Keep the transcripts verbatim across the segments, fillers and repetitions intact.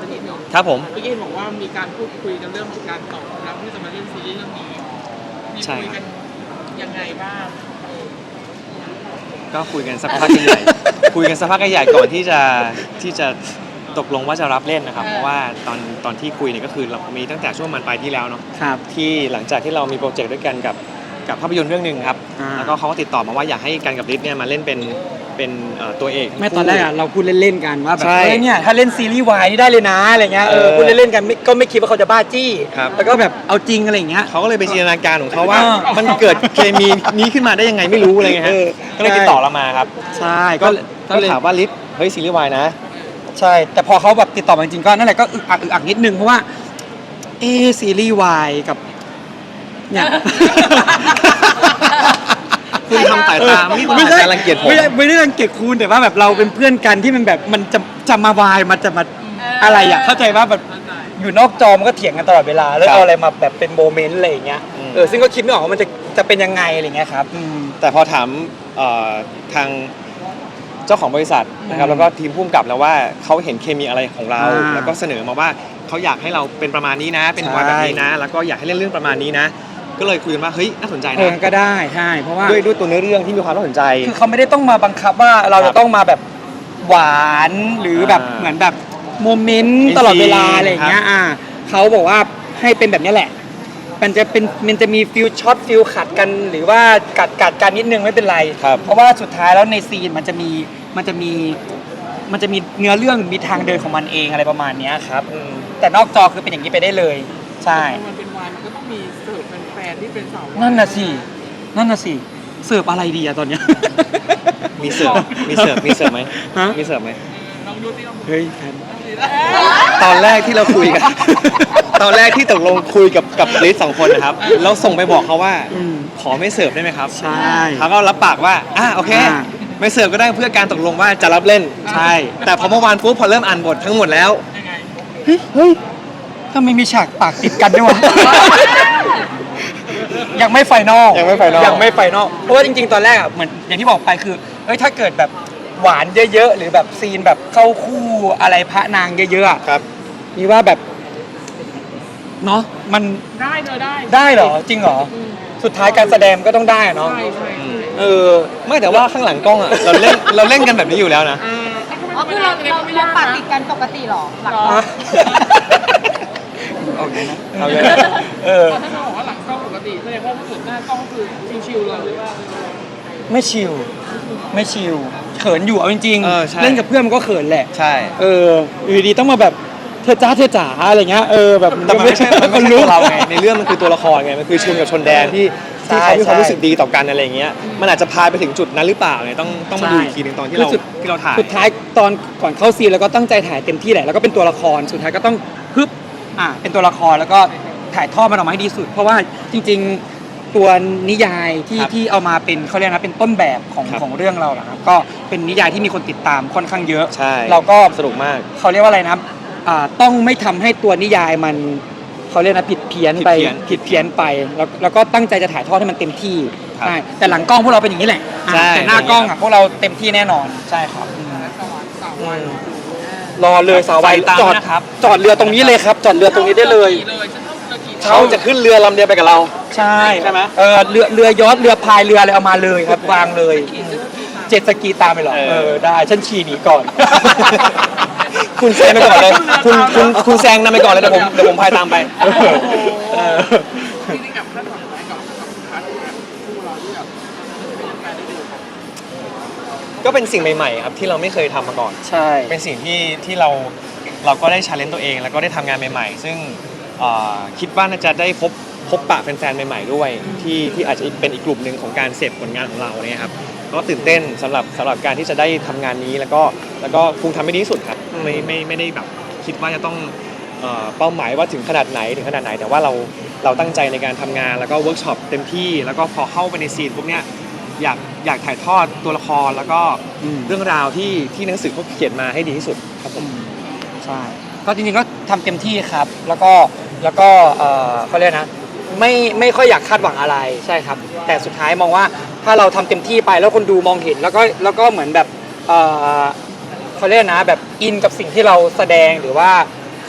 สักนิดหนึ่งครับผมเมื่อกี้บอกว่ามีการพูดคุยกันเรื่องของการตอบรับที่จะมาเล่นซีรีส์เรื่องนี้มีคุยกันยังไงบ้างก็คุยกันสักพักใหญ่คุยกันสักพักใหญ่ก่อนที่จะที่จะตกลงว่าจะรับเล่นนะครับเพราะว่าตอนตอนที่คุยเนี่ยก็คือเรามีตั้งแต่ช่วงมันปลายที่แล้วเนาะครับที่หลังจากที่เรามีโปรเจกต์ด้วยกันกับกับภาพยนตร์เรื่องหนึ่งครับแล้วก็เขาก็ติดต่อมาว่าอยากให้กันกับฤทธิ์เนี่ยมาเล่นเป็นเป็นตัวเอกไม่ตอนแรกอะเราพูดเล่นๆกันว่าแบบเฮ้ยเนี่ยถ้าเล่นซีรีส์วายนี่ได้เลยนะอะไรเงี้ยเออพูดเล่นๆกันก็ไม่คิดว่าเขาจะบ้าจี้แล้วก็แบบเอาจริงอะไรเงี้ยเขาก็เลยไปจินตนาการของเขาว่ามันเกิดเคมีนี้ขึ้นมาได้ยังไงไม่รู้อะไรเงี้ยฮะก็เลยติดต่อเรามาครับใช่ก็ก็เลยถามว่าฤทธิ์เฮ้ยซีรีส์วายนะใช่แต่พอเขาแบบติดต่อมาจริงๆก็นั่นแหละก็อึกอักอึกอักนิดนึงเพราะว่าเอซีรีส์วายกับเนี่ยคุณทำสายตาไม่ไม่ได้รังเกียจผมไม่ได้ไม่ได้รังเกียจคุณแต่ว่าแบบเราเป็นเพื่อนกันที่มันแบบมันจะจะมาวายมันจะมาอะไรอ่ะเข้าใจว่าแบบอยู่นอกจอมันก็เถียงกันตลอดเวลาแล้วเอาอะไรมาแบบเป็นโมเมนต์อะไรอย่างเงี้ยเออซึ่งก็คิดไม่ออกว่ามันจะจะเป็นยังไงอะไรเงี้ยครับแต่พอถามทางเจ้าของบริษัทนะครับแล้วก็ทีมผู้กำกับแล้วว่าเขาเห็นเคมีอะไรของเราแล้วก็เสนอมาว่าเขาอยากให้เราเป็นประมาณนี้นะเป็นวายแบบนี้นะแล้วก็อยากให้เล่นเรื่องประมาณนี้นะก็เลยคุยกันว่าเฮ้ยน่าสนใจนะก็ได้ใช่เพราะว่าด้วยด้วยตัวเนื้อเรื่องที่มีความน่าสนใจคือเขาไม่ได้ต้องมาบังคับว่าเราจะต้องมาแบบหวานหรือแบบเหมือนแบบโมเมนต์ตลอดเวลาอะไรอย่างเงี้ยอ่าเขาบอกว่าให้เป็นแบบนี้แหละมันจะเป็นมันจะมีฟิลช็อตฟิลขัดกันหรือว่ากัดกัดกันนิดนึงไม่เป็นไรเพราะว่าสุดท้ายแล้วในซีนมันจะมีมันจะมีมันจะมีเนื้อเรื่องมีทางเดินของมันเองอะไรประมาณนี้ครับแต่นอกจอคือเป็นอย่างนี้ไปได้เลยใช่มันเป็นวายมันก็ต้องมีเสิร์ฟแฟนๆที่เป็นสาวนั่นน่ะสินั่นน่ะสิเสิร์ฟอะไรดีอะตอนเนี้ยมีเสิร์ฟมีเสิร์ฟมีเสิร์ฟไหมมีเสิร์ฟไหมลองดูสิลองดูเฮ้ยตอนแรกที่เราคุยกันตอนแรกที่ตกลงคุยกับกับลิสสองคนนะครับเราส่งไปบอกเขาว่าขอไม่เสิร์ฟได้ไหมครับใช่เขาก็รับปากว่าอ่ะโอเคไม่เสิร์ฟก็ได้เพื่อการตกลงว่าจะรับเล่นใช่แต่พอเมื่อวานปุ๊บพอเริ่มอ่านบททั้งหมดแล้วเฮ้ยทำไมมีฉากปากติดกันด้วยวะยังไม่ไฟนอลยังไม่ไฟนอลยังไม่ไฟนอลเพราะว่าจริงๆตอนแรกอ่ะเหมือนอย่างที่บอกไปคือเอ้ยถ้าเกิดแบบหวานเยอะๆหรือแบบซีนแบบเข้าคู่อะไรพระนางเยอะๆครับนี่ว่าแบบเนาะมันได้เลยได้ได้เหรอจริงเหรอสุดท้ายการแสดงก็ต้องได้เนาะใช่ใช่เออไม่แต่ว่าข้างหลังกล้องอ่ะเราเล่นเราเล่นกันแบบนี้อยู่แล้วนะอ๋อคือเราเราเราปากติดกันปกติหรอหลังโอเคนะเอาเลยเออถ้าเราบอกว่าหลังกล้องปกติแสดงว่าถ้าเกิดหน้ากล้องคือชิวๆเลยหรือว่าไม่ชิลไม่ชิลเขินอยู่เอาจริงๆเล่นกับเพื่อนมันก็เขินแหละใช่เอออยู่ดีต้องมาแบบเธอจ้าเธอจ๋าอะไรเงี้ยเออแบบแต่มันไม่ใช่มันไม่ใช่ตัวเราไงในเรื่องมันคือตัวละครไงมันคือชุนกับชนแดนที่ที่เขามีความรู้สึกดีต่อกันอะไรเงี้ยมันอาจจะพาไปถึงจุดนั้นหรือเปล่าไงต้องต้องมาดูอีกทีนึงตอนที่เราที่เราถ่ายสุดท้ายตอนก่อนเข้าซีนแล้วก็ตั้งใจถ่ายเต็มที่แหละแล้วก็เป็นตัวละครสุดท้ายก็ต้องฮึบอ่ะเป็นตัวละครแล้วก็ถ่ายทอดมันออกมาให้ดีสุดเพราะว่าจริงๆตัวนิยายที่ที่เอามาเป็นเขาเรียกนะเป็นต้นแบบของของเรื่องเราแหละครับก็เป็นนิยายที่มีคนติดตามค่อนข้างเยอะเราก็สนุกมากเขาเรียกว่าอะไรนะต้องไม่ทำให้ตัวนิยายมันเขาเรียกนะผิดเพี้ยนไปผิดเพี้ยนไปแล้วแล้วก็ตั้งใจจะถ่ายทอดให้มันเต็มที่ใช่แต่หลังกล้องพวกเราเป็นอย่างนี้แหละแต่หน้ากล้องอ่ะพวกเราเต็มที่แน่นอนใช่ครับรอเลยสาววัยจอดครับจอดเรือตรงนี้เลยครับจอดเรือตรงนี้ได้เลยเขาจะขึ้นเรือลำเดียวไปกับเราใช่ใช่ไหมเออเรือเรือยอชต์เรือพายเรืออะไรเอามาเลยครับวางเลยเจ็ตสกีตามไปหรอเออได้ฉันขี่หนีก่อนคุณแซงไปก่อนเลยคุณคุณคุณแซงนำไปก่อนเลยเดี๋ยวผมเดี๋ยวผมพายตามไปที่กับคาดหวังไหมกับพาร์ทแบบคู่เราที่แบบเป็นแฟนได้ดูก็เป็นสิ่งใหม่ๆครับที่เราไม่เคยทำมาก่อนใช่เป็นสิ่งที่ที่เราเราก็ได้ชาเลนจ์ตัวเองแล้วก็ได้ทำงานใหม่ๆซึ่งคิดว่าน่าจะได้พบพบปะแฟนๆใหม่ๆด้วยที่ที่อาจจะเป็นอีกกลุ่มหนึ่งของการเสพผลงานของเราเนี่ยครับก็ตื่นเต้นสำหรับสำหรับการที่จะได้ทำงานนี้แล้วก็แล้วก็คงทำให้ดีที่สุดครับไม่ไม่ไม่ได้แบบคิดว่าจะต้องเป้าหมายว่าถึงขนาดไหนถึงขนาดไหนแต่ว่าเราเราตั้งใจในการทำงานแล้วก็เวิร์กช็อปเต็มที่แล้วก็พอเข้าไปในซีนพวกเนี้ยอยากอยากถ่ายทอดตัวละครแล้วก็เรื่องราวที่ที่หนังสือเขาเขียนมาให้ดีที่สุดครับผมใช่ก็จริงๆก็ทำเต็มที่ครับแล้วก็แล้วก็เขาเรียกนะไม่ไม่ค่อยอยากคาดหวังอะไรใช่ครับแต่สุดท้ายมองว่าถ้าเราทำเต็มที่ไปแล้วคนดูมองเห็นแล้วก็แล้วก็เหมือนแบบเขาเรียกนะแบบอินกับสิ่งที่เราแสดงหรือว่า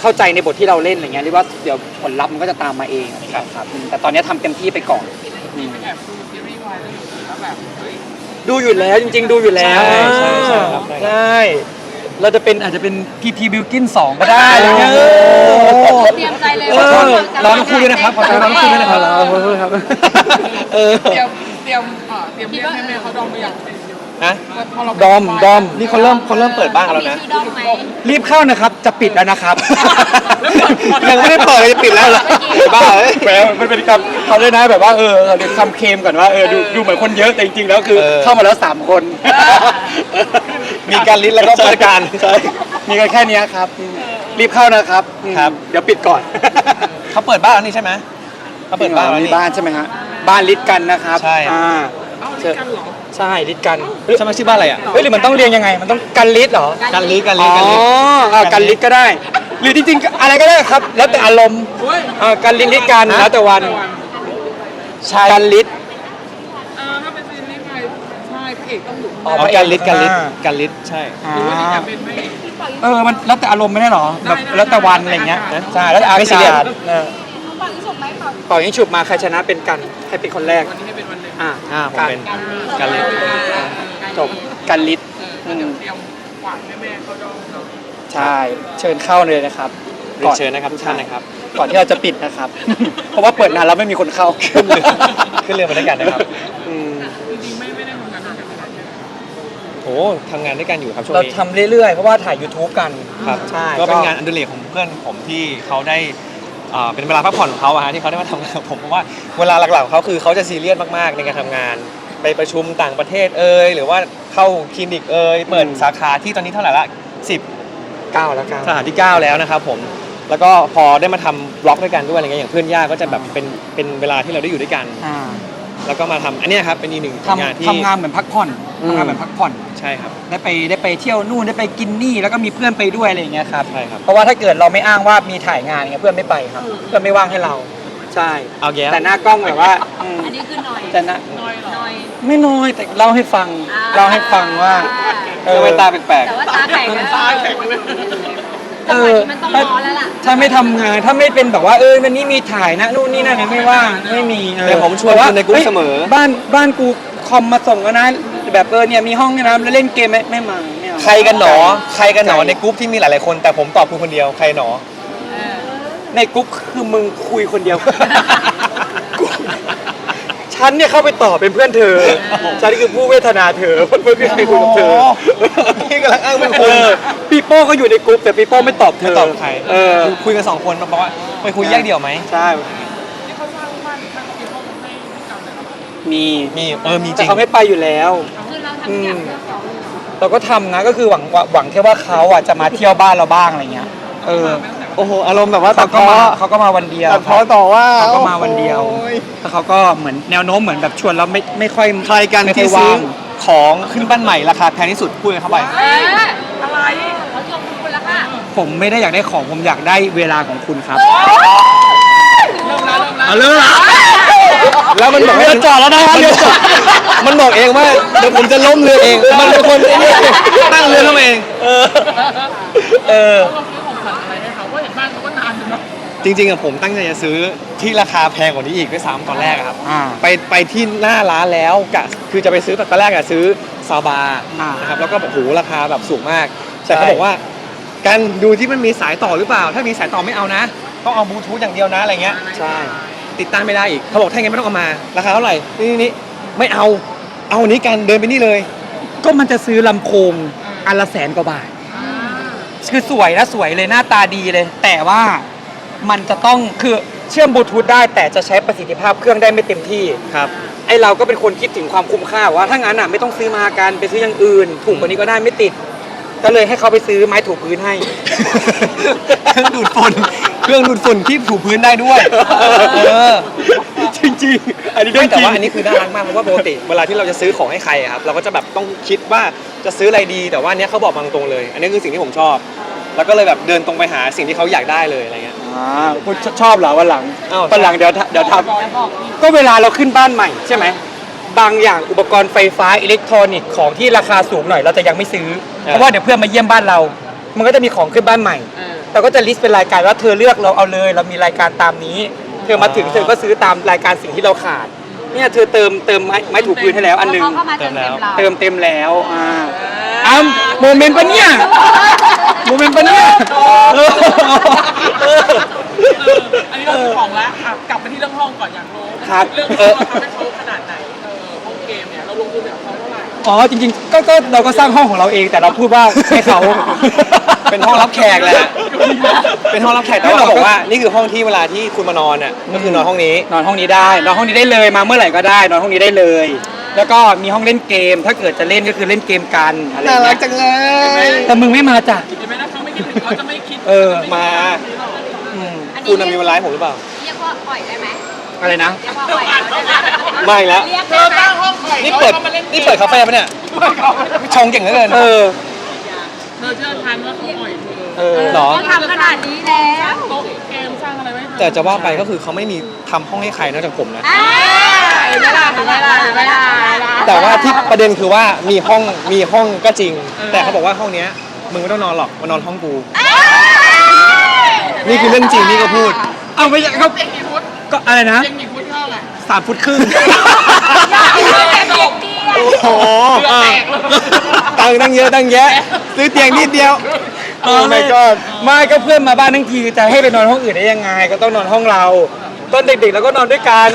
เข้าใจในบทที่เราเล่นอะไรเงี้ยหรือว่าเดี๋ยวผลลัพธ์มันก็จะตามมาเองครับครับอืมแต่ตอนนี้ทำเต็มที่ไปก่อนอืมแอบดูซีรีส์วายแล้วแบบเฮ้ยดูอยู่แล้วจริง ๆ ดูอยู่แล้วใช่ใช่ใช่ครับใช่เราจะเป็นอาจจะเป็นพีทีบิวกินสองก็ได้อะไรเงี้ยโอ้เออเตรียมใจเลยเออร้องคู่ด้วยนะครับขอโทษร้องคู่ด้วยนะครับขอโทษครับเออเตรียมเตรียมเอ่อเตรียมเรียกแม่ๆเขาดอมไปอย่างฮะพอเราดอมดอมนี่เขาเริ่มเขาเริ่มเปิดบ้านกันมีแล้วนะชื่อด้อมไหมรีบเข้านะครับจะปิดแล้วนะครับยังไม่ได้เปิดเลยจะปิดแล้วเหรอบ้าเอ้ยแหมมันเป็นคำเขาด้วยนะแบบว่าเออเดี๋ยวคำเคลมก่อนว่าเออดูดูเหมือนคนเยอะแต่จริงๆแล้วคือเออเข้ามาแล้วสามคนมีการลิ้นแล้วก็ผู้จัดการใช่มีกันแค่เนี้ยครับรีบเข้านะครับอืมครับเดี๋ยวปิดก่อนเขาเปิดบ้านแล้วนี่ใช่ไหมเขาเปิดบ้านแล้วมีนี่บ้านใช่ไหมฮะบ้านลิดกันนะครับใช่อ่าเอ้านี่กันเหรอใช่ลิดกันใช่ไหมชื่อบ้านอะไรอ่ะเฮ้ยหรือมันต้องเรียงยังไง มันต้องกันลิดเหรอการลิ้นการอ๋ลิ้นการลิ้นออ่ากันลิดก็ได้ หรือจริงๆอะไรก็ได้ครับ แล้วแต่อารมณ์เฮ้ยอ่ากันลิดลิดกันแล้วแต่วันใช่กันลิดเออถ้าเป็นซีรีส์วายใช่พระเอกต้องหลุดอ๋อ๋อการลิ้นการลิ้นการลิ้นใช่อ่าหรือว่าที่จะเป็นพระเอกเออมันแล้วแต่อารมณ์ไม่ได้เหรอแบบได้ได้แล้วแต่วันอะไรเงี้ยได้ใช่แล้วแต่อาไม่ซีเรียกาสศเออฝั่งที่สุดไหมฝั่งเป่ายิงฉุบมาใครชนะเป็นกันใครเป็นคนแรกวันนี้ให้เป็นวันหนึ่งอ่าอ่าผมเป็นการลิ้นจบกันลิดเออเดี๋ยวเตรียมหวานแม่ๆเขาดอมเนาะใช่เชิญเข้าเลยนะครับเรียนเชิญนะครับทุกท่านนะครับก่อนที่เราจะปิดนะครับ เพราะว่าเปิดนานแล้วไม่มีคนเข้าขึ้นเรือขึ้นเรือไปด้วยกันนะครับอืมจริงๆไม่ไม่ได้ทำงานด้วยกันนานใช่ไหมโอ้ทำงานด้วยกันอยู่ครับช่วงเรานี้ทำเรื่อยๆ เพราะว่าถ่าย YouTube กันครับใช่ก็เป็นงานอันดุเรกของเพื่อนผมที่เขาได้อ่าเป็นเวลาพักผ่อนของเขาอะฮะที่เขาได้มาทำงานกับผมเพราะว่าเวลาหลักๆของเขาคือเขาจะซีเรียสมากๆในการทำงาน ไปประชุมต่างประเทศเอ่ยหรือว่าเข้าคลินิกเอ่ยเปิดสาขาที่ตอนนี้เท่าไหร่ละสิบเก้าแล้วกันสาขาที่เก้าแล้วนะครับผมแล้วก็พอได้มาทำบล็อกด้วยกันด้วยอะไรเงี้ยอย่างเพื่อนย่าก็จะแบบเป็นเป็นเวลาที่เราได้อยู่ด้วยกันอ่าแล้วก็มาทำอันเนี้ยครับเป็นอีกหนึ่งงานทำที่ทำงานเหมือนพักผ่อนอืมทำงานเหมือนพักผ่อนใช่ครับได้ไปได้ไปเที่ยวนู่นได้ไปกินนี่แล้วก็มีเพื่อนไปด้วยอะไรอย่างเงี้ยครับใช่ครับเพราะว่าถ้าเกิดเราไม่อ้างว่ามีถ่ายงานเงี้ยเพื่อนไม่ไปครับ เพื่อนไม่ว่างให้เรา ใช่เอาแย่แต่หน้ากล้องแบบว่าอืมอันนี้คือหน่อยแต่หน้าน้อยเหรอหน่อยไม่น้อยแต่เล่าให้ฟังอ่าเล่าให้ฟังว่าเออเว้นตาแปลกแต่ว่าตาแข็งนะตาแข็งเลยจังหวะนี้มันต้องร้อนแล้วล่ะถ้าไม่ทำงานถ้าไม่เป็นแบบว่าเออวันนี้มีถ่ายนะนู่นนี่นั่นเนี่ยไม่ว่างไม่มีออแต่ผมชวนคุณในกรุ๊ปเสมอบ้านบ้านกูคอมมาส่งแล้วนะแบบเออเนี่ยมีห้องเนี่ยนะแล้วเล่นเกมไม่ไม่มาไม่เอาใครกันหนอ ใครกันหนอในกรุ๊ปที่มีหลายๆคน แต่ผมตอบคุณคนเดียว ใครหนอในกรุ๊ปคือมึงคุยคนเดียว กูฉันเนี่ยเข้าไปตอบเป็นเพื่อนเธอฉันคือผู้เวทนาเธอเพื่อนพี่ใครคุยกับเธอพี่กำลังอ้างเป็นเอคุณอปีโป้ก็อยู่ในกรุ๊ปแต่ปีโป้ไม่ตอบเธไม่อตอบใครเออคุยกันสองคนบอกว่าไปคุยแยกเดี่ยวไหมใช่ที่เขาสร้างบ้านข้างที่เขาให้ให้กันเลยเหรอมีมีเออมีจแต่ริงเขาไม่ไปอยู่แล้วคือเราทำทุกอย่างเพื่อเขาเลยเหรอเราก็ทำนะก็คือหวังหวังแค่ว่าเขาอ่ะจะมาเที่ยวบ้านเราบ้างอะไรเงี้ยเออโอ้โห อารมณ์แบบว่าเขาก็มาเขาก็มาวันเดียวตัดพ้อต่อว่าเขาก็มาวันเดียวโอ้ยแล้วเขาก็เหมือนแนวโน้มเหมือนแบบชวนเราไม่ไม่ค่อยใครกันไม่ค่ที่อยซื้อว่างของขึ้นบ้านใหม่ราคาแพงที่สุดพูดกันเข้าไปเอ๊ะอะไรเขาชมคุณแล้วค่ะผมไม่ได้อยากได้ของผมอยากได้เวลาของคุณครับเริ่มแล้วเริ่มแล้วเอาเรื่องละแล้วมันบอกเรือจอดแล้วนะครับมันเรือจอดมันบอกเองว่าเดี๋ยวผมจะล้มเรือเอง มันเป็นคนไอ้นี่ตั้งเรือเข้ามาเองเออเออเราซื้อของขวัญอะไรให้เขาเพราะเห็นบ้านเขาก็นานอยู่เนาะจริงๆอะผมตั้งใจจะซื้อที่ราคาแพงกว่านี้อีกด้วยซ้ำตอนแรกอะครับอ่าไปไปที่หน้าร้านแล้วกะคือจะไปซื้อแต่ตอนแรกอะซื้อซาบาอ่านนะครับแล้วก็แบบโหราคาแบบสูงมากใช่แต่เขาบอกว่าการดูที่มันมีสายต่อหรือเปล่า ถ้ามีสายต่อไม่เอานะ ต้องเอาบลูทูธอย่างเดียวนะอะไรเงี้ยใช่ติดตั้งไม่ได้อีกเขาบอกถ้าอย่างงั้นไม่ต้องเอามา ราคาเท่าไหร่นี่นี่นี่ไม่เอาเอาอันนี้กันเดินไปนี่เลยก็มันจะซื้อลำโพงอันละแสนกว่าบาท คือสวยนะสวยเลยหน้าตาดีเลย แต่ว่ามันจะต้องคือเชื่อมบลูทูธได้ แต่จะใช้ประสิทธิภาพเครื่องได้ไม่เต็มที่ครับไอเราก็เป็นคนคิดถึงความคุ้มค่าว่าถ้างั้นอ่ะไม่ต้องซื้อมากันไปซื้ออย่างอื่น ถูกกว่านี้ก็ได้ไม่ติด ก็เลยให้เขาไปซื้อไม้ถูพื้นให้เครื่องดูดฝุ่นเครื่องดูดฝุ่นที่ถูพื้นได้ด้วยเออจริงๆ อันนี้เรื่ไม่องจแต่ริงว่าอันนี้คือน่ารักมากเพราะว่าปกติเวลาที่เราจะซื้อของให้ใครอะครับเราก็จะแบบต้องคิดว่าจะซื้ออะไรดีแต่ว่าอันเนี้ยเขาบอกมาตรงๆเลย อันนี้คือสิ่งที่ผมชอบ แล้วก็เลยแบบเดินตรงไปหาสิ่งที่เขาอยากได้เลยอะไรเงี้ยอ่าคุณชอบเหรอวันหลังอ้าววันหลังเดี๋ยวเดี๋ยวทจะบอกอีกำก็เวลาเราขึ้นบ้านใหม่ใช่ไหมบางอย่างอุปกรณ์ไฟฟ้าอิเล็กทรอนิกส์ของที่ราคาสูงหน่อยเราจะยังไม่ซื้อ เพราะว่าเดี๋ยวเพื่อนมาเยี่ยมบ้านเรา มันก็จะมีของขึ้นบ้านใหม่เออเราก็จะลิสต์เป็นรายการว่าเธอเลือกเราเอาเลย เรามีรายการตามนี้ เธอมาถึงเธอก็ซื้อตามรายการสิ่งที่เราขาดเนี่ยเธอเติมเติมไม้ไม้ถูพื้นให้แล้วอันหนึงเขาเข้ามาเติมเต็มเราเติมเต็มแล้วอ่าอ้าวโมเมนต์ปะเนี่ยโมเมนต์ปะเนี่ยเออเออเอออันนี้เราซื้อของแล้วอ่ะกลับไปที่เรื่องห้องก่อนอยากรู้ครับเรื่องห้องเราทำให้เขาขนาดไหนเออห้องเกมเนี่ยเราลงทุนแบบเขาเท่าไหร่อ๋อจริงๆก็ก็เราก็สร้างห้องของเราเองแต่เราพูดว่าให้เขาเป็นห้องรับแขกแหละเป็นห้องรับแขกแต่ว่าเราบอกว่านี่คือห้องที่เวลาที่คุณมานอนอ่ะก็คือนอนห้องนี้นอนห้องนี้ได้นอนห้องนี้ได้เลยมาเมื่อไหร่ก็ได้ นอนห้องนี้ได้เลย แล้วก็มีห้องเล่นเกม ถ้าเกิดจะเล่นก็คือเล่นเกมกันอะไรอย่างน่ารัเงี้กยจังเลยแต่มึงไม่มาจ้ะเห็นไหมนะเขาไม่คิดถึงเขาจะไม่คิดเออมาอืมคุณน่ะมีเวลาให้ผมหรือเปล่าเรียกว่าอ่อยได้ไหมอะไรนะเรียกว่าอ่อยได้ไหมไม่แล้วเรียกเธได้อไหมตั้งห้องใหม่นี่เปิดขามาล่กมนี่เปิดคาเฟ่ปะเนี่ยชงเก่งเหลือเกินเออเธอเชื่อทันว่าเขาอ่อยเธอเออหรอเขาทำขนาดนี้แล้วโต๊ะเกมสร้างอะไรไว้ให้เธอแต่จะว่าไปก็คือเขาไม่มีทำห้องให้ใครนอกจากผมนะอ่าเห็นไหมล่ะเห็นไหมล่ะเห็นไหมล่ะแต่ว่าที่ประเด็นคือว่ามีห้องมีห้องก็จริง แต่เขาบอกว่าห้องเนี้ยมึงไม่ต้องนอนหรอกมานอนห้องกู นี่คือเรื่องจริงนี่ก็พูดเอาไม่ใช่เขาเด็กกี่ฟุตก็อะไรนะเด็กกี่ฟุตเท่าไหร่สามฟุตครึ่งโอ้โหอ่ะตังค์ตั้งเยอะตั้งแยะ ซื้อเตียงนิดเดียว โอ้ my god ไม่ก็เพื่อนมาบ้านทั้งทีจะให้ไปนอนห้องอื่นได้ยังไง ก็ต้องนอนห้องเรา ตอนเด็กๆเราก็นอนด้วยกัน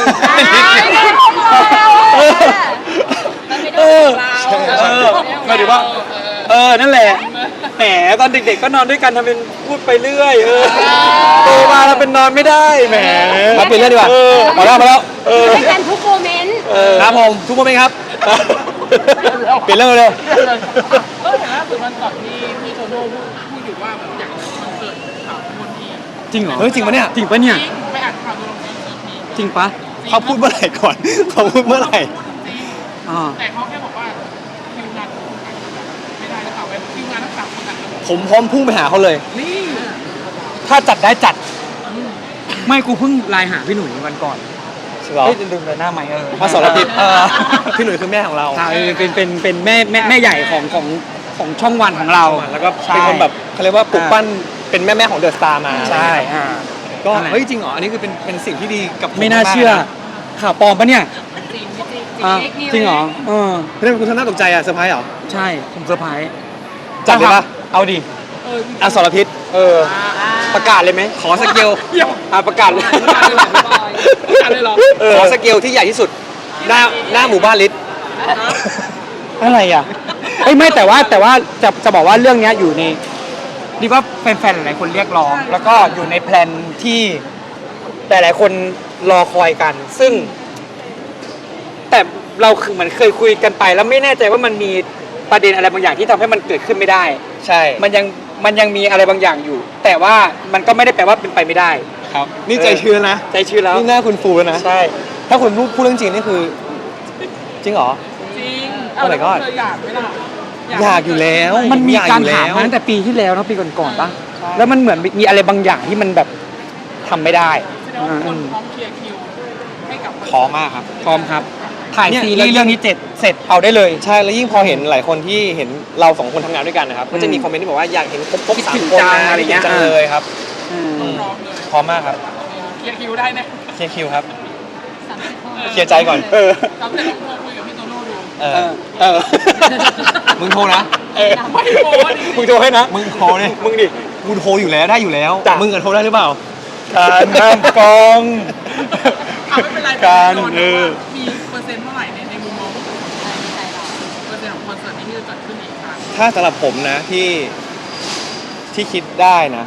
เออเออหมายถึงว่า เออ นั่นแหละ แหม ตอนเด็กๆ ก็นอนด้วยกันทำเป็นพูดไปเรื่อย เออ โตมาแล้วเป็นนอนไม่ได้ แหมมาเปลี่ยนเรื่องดีกว่าเออมาแล้วมาแล้วเออด้วยกันทุกโมเมนต์เออครับผมทุกคนไหมครับ เปลี่ยนเรื่องเร็วเออเห็นล่าสุดวันก่อนที่พี่โตโน่พูดพูดอยู่ว่าแบบอยากจะคอนเสิร์ตข่าวคนทีจริงเหรอเฮ้ยจริงปะเนี่ยจริงปะเนี่ยจริงไปอ่านข่าวตัวลงคอนเสิร์ตทีจริงปะเขาพูดเมื่อไหร่ก่อน เขาพูดเมื่อไหร่จริงอ่าแต่เขาแค่บอกว่าคิวงานของคนต่างไม่ได้หรือเปล่าไปคิวงานทั้งสามคนต่างกันหมดผมพร้อมพุ่งไปหาเขาเลยนี่ถ้าจัดได้จัด ไม่กูเพิ่งไลน์หาพี่หนุ่ยวันก่อนเหรอเฮ้ยลืมเลยหน้าใหม่เออมาสรพิษเออพี่หนุ่ยคือแม่ของเราใช่เป็นเป็นเป็นแม่แม่แม่ใหญ่ของของของช่องวันของเราแล้วก็เป็นคนแบบเขาเรียกว่าปลุกปั้นเป็นแม่แม่ๆของเดอะสตาร์มาใช่อ่าก็นั่นแหละเฮ้ยจริงเหรอ อันนี้คือเป็นเป็นสิ่งที่ดีกับผมไม่น่าๆเชื่อนะข่าวปลอมปะเนี่ยจริงจริงจริงอ่ะจริงเหรอเออเรื่องคุณทำหน้าตกใจอ่ะเซอร์ไพรส์เหรอใช่ผมเซอร์ไพรส์จัดเลยปะเอาดิเออจริงอสรพิษเออ ประกาศเลยไหมขอสเกลเดี๋ยวอ่าประกาศเลยประกาศเลยเหรอประกาศเลยเหรอเออขอสเกลที่ใหญ่ที่สุด หน้าหน้าหมู่บ้านลิศอะไรอ่ะเอ้ยไม่แต่ว่าแต่ว่าจะจะบอกว่าเรื่องเนี้ยอยู่ในดีว่าแฟนๆหลายคนเรียกร้อง แล้วก็อยู่ในแพลนที่แต่หลายคนรอคอยกัน ซึ่ง แต่เราคือเหมือนเคยคุยกันไป แล้วไม่แน่ใจว่ามันมีประเด็นอะไรบางอย่างที่ทำให้มันเกิดขึ้นไม่ได้ใช่มันยังมันยังมีอะไรบางอย่างอยู่ แต่ว่ามันก็ไม่ได้แปลว่าเป็นไปไม่ได้ครับ นี่ใจชื้นนะใจชื้นแล้วนี่หน้าคุณฟูแล้วนะใช่ถ้าคุณพูดพูดเรื่องจริงนี่คือ จริงเหรอจริง Oh my god เธออยากไหมล่ะอยากอยู่แล้วมันมีอยการอยู่ถามแล้วมาตั้งแต่ปีที่แล้วเนอะปีก่อนๆปะแล้วมันเหมือนมีอะไรบางอย่างที่มันแบบทำไม่ได้แสดงว่าคนพร้อมเคลียร์คิวให้กับพร้อมมากครับพร้อมครับ ถ่ายเนี่ยซีรีส์เรื่องนี้เสร็จเสร็จเอาได้เลยใช่ แล้วยิ่งพอเห็นหลายคนที่เห็นเราสองคนทำงานด้วยกันนะครับ ก็จะมีอืมคอมเมนต์ที่บอกว่าอยากเห็นครบครบคิดสาถึมงคนจังนะอะไรเงี้ยคิดถึจังเลยครับอืมพร้อมเลยพร้อมมากครับเคลียร์คิวได้นะเคลียร์คิวครับ เคลียร์ใจก่อนเออเราจะลองโทรคุยกับพี่โตโน่ดูเอเอออเออมึงโทรนะเออไม่โทรดิมึงโทรให้นะมึงโทรเนี่ยมึงดิกูโทรอยู่แล้วได้อยู่แล้วจ้ะมึงกับโทรได้หรือเปล่าการนำกองอ่ะไม่เป็นไรการโดนเออมีเปอร์เซ็นต์เท่าไหร่ในในมุมมองของคนไทยเปอร์เซ็นต์ของคอนเสิร์ตนี้ที่จะจัดขึ้นอีกครั้งถ้าสำหรับผมนะที่ที่คิดได้นะ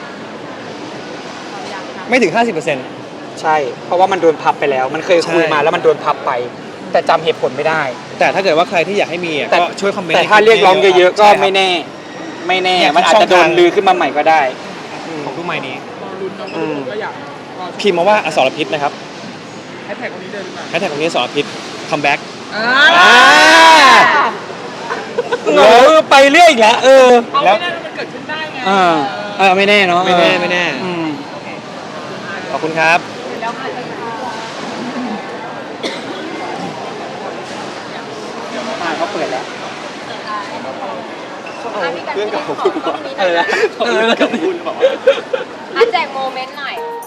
ไม่ถึง ห้าสิบเปอร์เซ็นต์ใช่ เพราะว่ามันโดนพับไปแล้ว มันเคยคุยใช่มาแล้วมันโดนพับไป แต่จำเหตุผลไม่ได้แต่ถ้าเกิดว่าใครที่อยากให้มีอ่ะแต่ก็ช่วยคอมเมนต์แต่ถ้าเรียกร้องเยอะๆก็ใช่ครับไม่แน่ ไม่แน่เนี่ยมันอาจจะโดช่องนทางลือขึ้นมาใหม่ก็ได้อืมของทุกไม้นี้รอลุ้นเนาะอืมก็อยากรอพิมพ์มาว่าอสรพิษนะครับแฮชแท็กคนนี้เดินหรือเปล่าแฮชแท็กของนี้อสรพิษคัมแบ็กอ่าอ่าเออไปเรื่อยอีกแล้วเออเอาแล้วไม่ได้มันเกิดขึ้นได้ไงอ่าเออไม่แน่เนาะไม่แน่ไม่แน่อืมขอบคุณครับอ่าเขาเปิดแล้วอ่ะพี่กันเพื่อนกับขอคุณต้องมีเออนะเพื่อนกับคุณบอกว่าอ่ะแจกโมเมนต์หน่อย